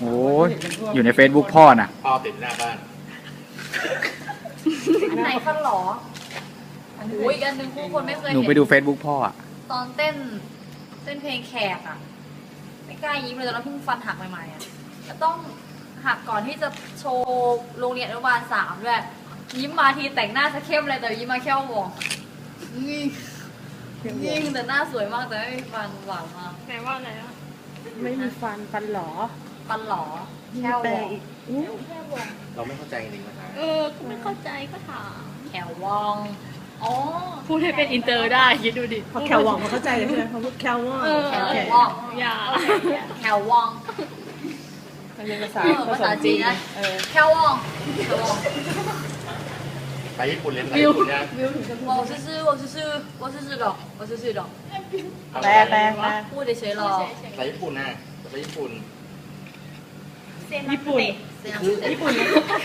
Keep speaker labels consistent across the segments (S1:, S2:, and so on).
S1: โอ้ยอยู่ใน Facebook พ่อน่ะ
S2: พ่อติดหน้าบ้าน
S3: อันไหนฟันหรอโอ้ยอีกอันหนึ่งผู้คนไม่เคย
S1: หนู
S3: เห็น
S1: ไปดู Facebook พ่ออ่ะ
S3: ตอนเต้นเพลงแขกอ่ะไม่กล้ายิ้มเลยตอนนั้นเพิ่งฟันหักใหม่ๆอ่ะจะต้องหักก่อนที่จะโชว์โรงเรียนอนุบาล3ด้วยยิ้มมาทีแต่งหน้าจะเข้มเลยแต่ยิ้มมาแค่วงยิ่งแต่หน้าสวยมากแต่ไม่มีฟันหวานมาก
S4: ไหนว่าอะไรอ่ะ
S5: ไม่มีฟันหลอ
S3: ฟันหลอแค่ว
S5: แปล
S3: ง
S5: อีก
S3: แค่วง
S2: เราไม่เข้าใจจริงๆนะครับ
S4: ก็ไม่เข้าใจก็ถาม
S3: แค่วองอ๋อ
S4: พูดให้เป็นอินเตอร์ได้คิดดูดิ
S5: พอแคลหวังเขาเข้าใจเลยใช่ไหมเขาพูดแคลว่า
S3: แค่
S5: โอเคว
S3: อง
S4: อย่า
S3: แค่วอง
S5: เรียนภาษา
S3: ภาษาจีนนะ แค่วองแค่วอง
S2: ไปญี่ปุ่นเรียนไปญี่ปุ่นเนี่ย
S3: 我是的，
S5: แปลแปลแปล
S3: พูดเฉยๆหรอ
S2: ไปญี่ปุ่นนะไปญี่ปุ่น
S5: ญี่ปุ่น ญี่ปุ่น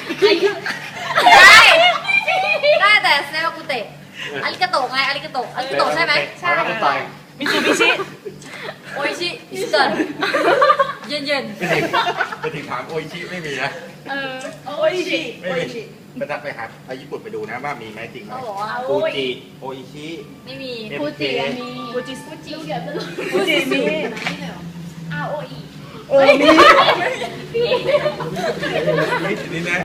S3: ได้แต่เซลกุเตะอาริกาโตะไงอาริกาโตะอาริกาโตะใช่ไหม
S2: ใช่เข้าใจ
S5: มิซูบิชิ
S3: โออิชิอิสตันเย็น
S2: ไปถึงถามโออิชิไม่มีนะ
S5: โออิชิ
S2: ไม่มีไปหาไปญี่ปุ่นไปดูนะว่ามีไหมจริง
S3: ๆ
S2: ไหม
S3: เขาบอกว่า
S2: ฟูจิโออิชิ
S3: ไม่มี
S2: ฟูจิมี
S5: ฟูจิ
S4: ฟูจิเดี๋ยวจะ
S5: ฟูจิมี
S4: อาโออี
S5: มี
S2: นี่นะ